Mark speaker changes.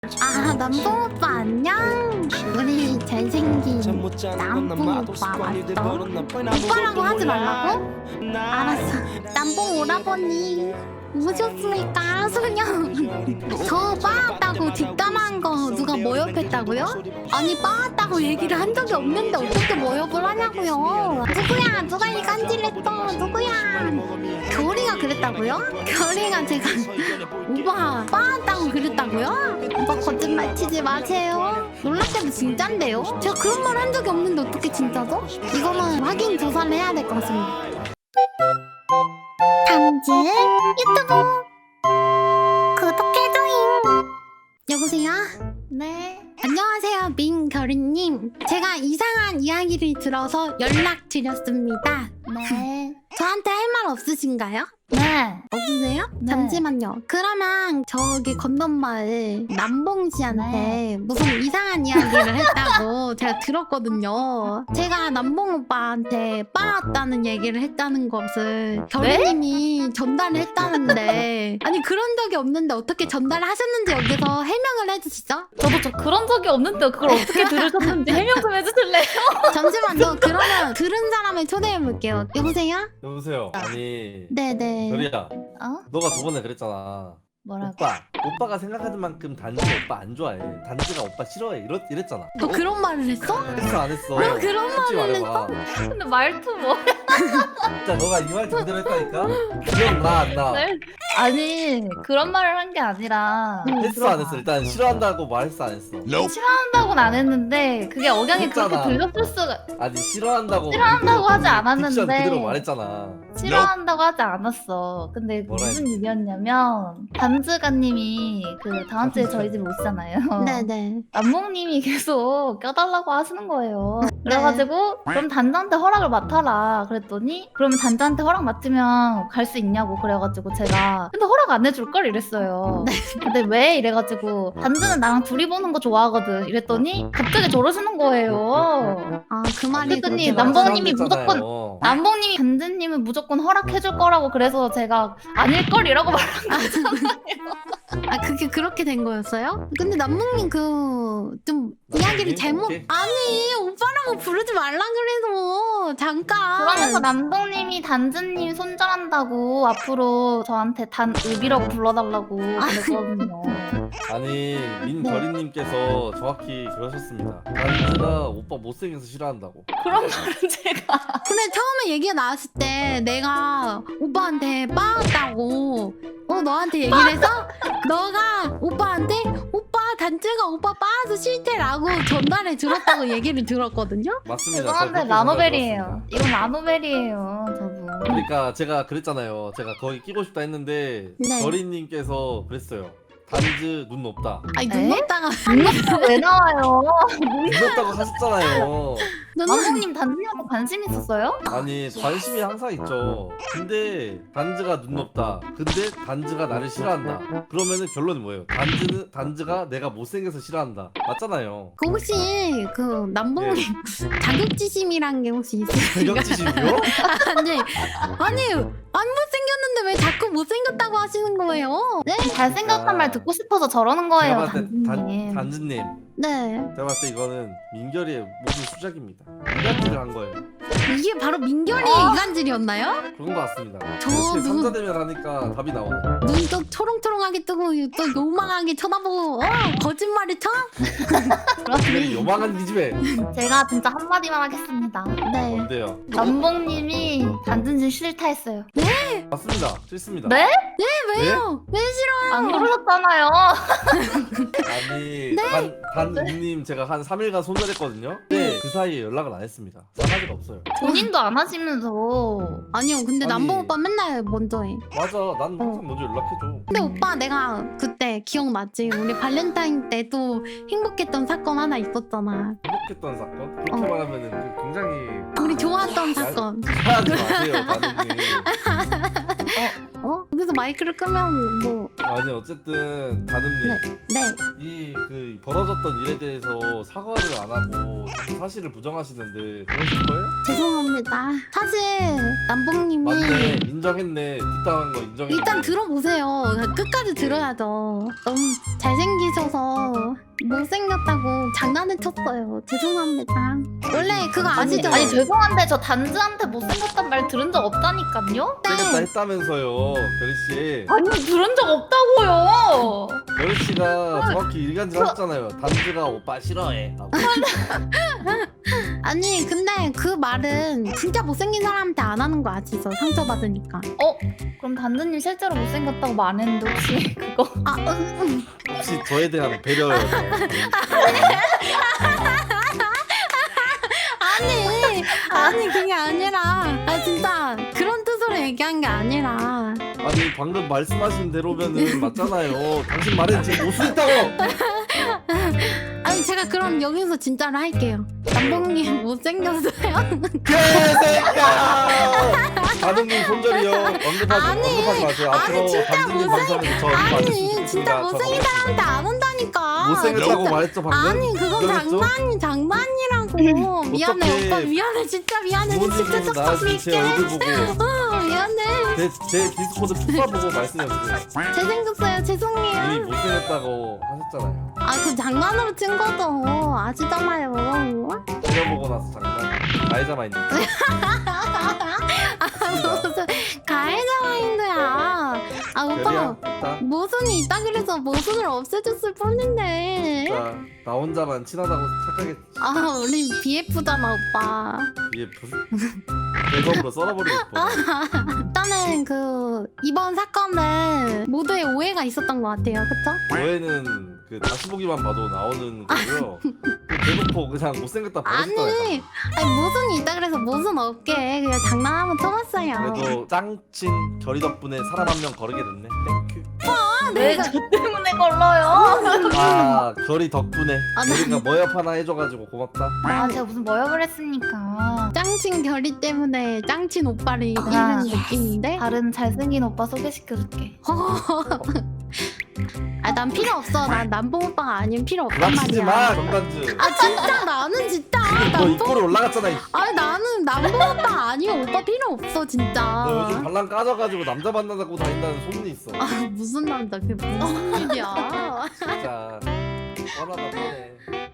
Speaker 1: 아, 남봉 오빠 안녕? 우리 잘생긴 남봉 오빠 맞죠? 오빠라고 하지 말라고? 알았어. 남봉 오라버니 오셨습니까? 소녀. 저 빠았다고 뒷담한 거 누가 모욕했다고요? 아니 빠았다고 얘기를 한 적이 없는데 어떻게 모욕을 하냐고요? 누구야? 누가 이 간질했어? 누구야? 겨울이가 그랬다고요? 겨울이가 제가 오빠 빠았다고 그랬다고요? 오빠 거짓말 치지 마세요. 놀랍게도 진짠데요? 제가 그런 말 한 적이 없는데 어떻게 진짜죠? 이거는 확인 조사를 해야 될 것 같습니다. 단지 유튜브 구독해줘잉. 여보세요? 네. 안녕하세요, 민결이님. 제가 이상한 이야기를 들어서 연락드렸습니다. 네. 저한테 할 말 없으신가요?
Speaker 2: 네.
Speaker 1: 없으세요?
Speaker 2: 네.
Speaker 1: 잠시만요. 그러면 저기 건너마을 남봉 씨한테 무슨 이상한 이야기를 했다고 제가 들었거든요. 제가 남봉 오빠한테 빠았다는 얘기를 했다는 것을 결이님이 전달을 했다는데 아니 그런 적이 없는데 어떻게 전달을 하셨는지 여기서 해명을 해주시죠?
Speaker 2: 저도 그런 적이 없는데 그걸 어떻게 들으셨는지 해명 좀 해주실래요?
Speaker 1: 잠시만요. 그러면 들은 사람을 초대해볼게요. 여보세요?
Speaker 3: 여보세요. 아니
Speaker 1: 네네.
Speaker 3: 별이야,
Speaker 2: 어?
Speaker 3: 너가 저번에 그랬잖아.
Speaker 2: 뭐라고?
Speaker 3: 오빠가 생각하는 만큼 단지 오빠 안 좋아해. 단지가 오빠 싫어해. 이랬잖아.
Speaker 1: 너 그런 말을 했어?
Speaker 3: 했어 안 했어?
Speaker 1: 왜 그런
Speaker 3: 솔직히
Speaker 1: 말을
Speaker 3: 말해봐.
Speaker 2: 근데 말투 뭐?
Speaker 3: 진짜 너가 이 말 그대로 했다니까? 기억나 안 나?
Speaker 2: 네? 아니 그런 말을 한 게 아니라
Speaker 3: 했어 안 했어? 일단 싫어한다고 말했어 안 했어?
Speaker 2: 싫어한다고는 안 했는데 그게 억양이 그렇게
Speaker 3: 했잖아.
Speaker 2: 들렸을 수가
Speaker 3: 아니 싫어한다고
Speaker 2: 싫어한다고 하지
Speaker 3: 딕션
Speaker 2: 않았는데
Speaker 3: 그대로 말했잖아.
Speaker 2: 싫어한다고 하지 않았어. 근데
Speaker 3: 뭐라
Speaker 2: 무슨 일이었냐면 단즈가님이 그 다음 주에 저희 집 오시잖아요.
Speaker 1: 네네.
Speaker 2: 남몽님이 계속 껴달라고 하시는 거예요. 그래가지고 그럼 단자한테 허락을 맡아라 그랬더니 그러면 단자한테 허락 맡으면 갈 수 있냐고 그래가지고 제가 근데 허락 안 해줄 걸 이랬어요. 근데 왜 이래가지고 단자는 나랑 둘이 보는 거 좋아하거든 이랬더니 갑자기 저러시는 거예요.
Speaker 1: 아, 그 말이
Speaker 2: 그랬더니
Speaker 1: 그렇게
Speaker 2: 남봉님이
Speaker 3: 싫어한댔잖아요.
Speaker 2: 남봉님이 단자님은 무조건 허락해줄 거라고 그래서 제가 아닐 걸이라고 말한 거잖아요.
Speaker 1: 아, 그게 그렇게 된 거였어요? 근데 남몽님 좀 이야기를 잘못
Speaker 3: 오케이.
Speaker 1: 아니 오빠라고 부르지 말라 그래서 잠깐
Speaker 2: 그러면서 남동님이 단즈님 손절한다고 앞으로 저한테 단읍이라고 불러달라고 그랬거든요.
Speaker 3: 아니 민결이님께서 정확히 그러셨습니다. 단지가 오빠 못생겨서 싫어한다고.
Speaker 2: 그런 말은 제가
Speaker 1: 근데 처음에 얘기가 나왔을 때 내가 오빠한테 빠았다고 너한테 얘기를 해서 너가 오빠한테 오빠 단지가 오빠 빠아서 싫대라고 전달해 들었다고 얘기를 들었거든요?
Speaker 3: 맞습니다.
Speaker 2: 죄송한데
Speaker 3: 제가 그렇게
Speaker 2: 라노벨이에요.
Speaker 3: 전달해드렸습니다.
Speaker 2: 이건 라노벨이에요, 저분.
Speaker 3: 그러니까 제가 그랬잖아요. 제가 거기 끼고 싶다 했는데
Speaker 1: 네.
Speaker 3: 결이님께서 그랬어요. 단지 눈 높다.
Speaker 1: 아니
Speaker 2: 에?
Speaker 1: 눈 높다가
Speaker 2: 왜 나와요?
Speaker 3: 눈 높다고 하셨잖아요.
Speaker 2: 남동님 단즈님한테 관심 있었어요?
Speaker 3: 아니 관심이 항상 있죠. 근데 단지가 눈 높다. 근데 단지가 나를 싫어한다. 그러면은 결론이 뭐예요? 단지가 내가 못생겨서 싫어한다. 맞잖아요.
Speaker 1: 그 혹시 그 남봉님 자격지심이란 게 혹시 있으신가요?
Speaker 3: 자격지심이요?
Speaker 1: 아니 안 못생겼는데 왜 자꾸 못생겼다고 하시는 거예요? 네?
Speaker 2: 잘생겼단 말 듣고 싶어서 저러는
Speaker 3: 제가
Speaker 2: 거예요,
Speaker 3: 봤을 때
Speaker 2: 단즈님.
Speaker 3: 단지님,
Speaker 1: 네.
Speaker 3: 제가 봤을 때 이거는 민결이의 모든 수작입니다. 이간질을 한 거예요.
Speaker 1: 이게 바로 민결이의 이간질이었나요?
Speaker 3: 그런 것 같습니다.
Speaker 1: 저
Speaker 3: 이렇게
Speaker 1: 눈-
Speaker 3: 삼자대면 하니까 답이 나오네.
Speaker 1: 눈도 초롱초롱하게 뜨고 또 요망하게 쳐다보고 거짓말을 쳐?
Speaker 3: 그래 요망한 기집애.
Speaker 2: 제가 진짜 한마디만 하겠습니다.
Speaker 1: 네.
Speaker 3: 뭔데요?
Speaker 2: 남봉님이 단즈님 싫다 했어요.
Speaker 3: 맞습니다. 싫습니다.
Speaker 2: 네?
Speaker 1: 왜요? 왜 싫어요?
Speaker 2: 안 그러셨잖아요.
Speaker 3: 아니
Speaker 1: 네.
Speaker 3: 단님 제가 한 3일간 손절했거든요. 근데 그 사이에 연락을 안 했습니다. 싸가지가 없어요.
Speaker 2: 본인도 안 하시면서
Speaker 1: 아니요 근데
Speaker 3: 아니.
Speaker 1: 남봉 오빠 맨날 먼저 해.
Speaker 3: 맞아, 난 항상 먼저 연락해줘.
Speaker 1: 근데 오빠 내가 그때 기억나지? 우리 발렌타인 때도 행복했던 사건 하나 있었잖아.
Speaker 3: 행복했던 사건? 그렇게 말하면은 굉장히
Speaker 1: 우리 좋아했던 사건.
Speaker 3: 하지 마세요, 단님.
Speaker 1: 여기서 마이크를 끄면 뭐
Speaker 3: 아니 어쨌든 다듬님
Speaker 1: 네.
Speaker 3: 이 그 벌어졌던 일에 대해서 사과를 안 하고 사실을 부정하시는데 그러실 거예요?
Speaker 1: 죄송합니다. 사실 남봉님이
Speaker 3: 맞네 인정했네 뒷당한 거 인정했네.
Speaker 1: 일단 들어보세요. 끝까지 들어야죠. 너무 잘생기셔서 못생겼다고 장난을 쳤어요. 죄송합니다. 원래 그거 아시죠?
Speaker 2: 아니 죄송한데 저 단즈한테 못생겼단 말 들은 적 없다니까요?
Speaker 3: 생겼다 했다면서요 결희씨.
Speaker 2: 아니 들은 적 없다고요.
Speaker 3: 결희씨가 정확히 일간질 하셨잖아요. 단즈가 오빠 싫어해 라고.
Speaker 1: 아니 근데 그 말은 진짜 못생긴 사람한테 안 하는 거 아시죠? 상처받으니까.
Speaker 2: 그럼 단즈님 실제로 못생겼다고 말했는데 혹시 그거
Speaker 3: 혹시 저에 대한 배려였나요?
Speaker 1: 아니 그게 아니라 진짜 그런 뜻으로 얘기한 게 아니라
Speaker 3: 아니 방금 말씀하신 대로면은 맞잖아요. 당신 말엔 지금 못쓰겠다고.
Speaker 1: 아니 제가 그럼 여기서 진짜로 할게요. 남봉님 못생겼어요?
Speaker 3: 개새끼야! 다듬님 손절이요. 언급하지 마세요.
Speaker 1: 아니,
Speaker 3: 앞으로
Speaker 1: 진짜
Speaker 3: 단지님 방송에서 저 언급 안
Speaker 1: 아니
Speaker 3: 했으면
Speaker 1: 진짜 못생긴 사람한테 안 한다니까.
Speaker 3: 못생겼다고 말했죠 방금?
Speaker 1: 아니 그건
Speaker 3: 인정했죠?
Speaker 1: 장난이라고. 미안해
Speaker 3: 어떡해.
Speaker 1: 오빠 미안해 진짜 미안해 진짜
Speaker 3: 부모님께서 나한테 제 얼굴 보고
Speaker 1: 미안해.
Speaker 3: 제 디스코드 푸파 보고 말씀해보세요.
Speaker 1: 잘생겼어요 죄송해요.
Speaker 3: 이미 못생겼다고 하셨잖아요.
Speaker 1: 그 장난으로 친 거죠. 아시잖아요.
Speaker 3: 때려보고 나서 장난. 가해자 마인드.
Speaker 1: 무슨 가해자 마인드야. 오빠
Speaker 3: 별이야 있다.
Speaker 1: 모순이 있다 그래서 모순을 없애줬을 뿐인데.
Speaker 3: 자, 나 혼자만 친하다고 착하겠지.
Speaker 1: 우리 BF잖아 오빠.
Speaker 3: BF. 대검으로 썰어버리고 싶어.
Speaker 1: 일단은 이번 사건은 모두의 오해가 있었던 것 같아요. 그쵸?
Speaker 3: 저희는 다시 보기만 봐도 나오는 거고요. 대놓고 그냥 못생겼다 버렸잖아요.
Speaker 1: 아니 모순이 있다 그래서 모순 없게 그냥 장난하면 쳐봤어요.
Speaker 3: 그래도 짱친 결이 덕분에 사람 한 명 거르게 됐네. 땡큐.
Speaker 2: 왜 저 때문에 걸러요?
Speaker 3: 아 결이 덕분에
Speaker 1: 네.
Speaker 3: 우리가 머협 하나 해줘가지고 고맙다.
Speaker 2: 제가 무슨 머역을 했습니까?
Speaker 1: 짱친 결이 때문에 짱친 오빠를 이기는 느낌인데?
Speaker 2: 다른 잘생긴 오빠 소개시켜줄게.
Speaker 1: 난 필요 없어. 난 남봉 오빠가 아니면 필요 없단
Speaker 3: 부닥치지
Speaker 1: 말이야.
Speaker 3: 마 정단주.
Speaker 1: 진짜 나는 진짜
Speaker 3: 너 입꼬리 올라갔잖아.
Speaker 1: 나는 남봉 오빠 아니면 오빠 필요 없어 진짜.
Speaker 3: 너 요즘 발랑 까져가지고 남자 만나고 다닌다는 소문이 있어.
Speaker 1: 무슨 남자 그게 무슨 일이야.
Speaker 3: 진짜 뻔하다 뻔해.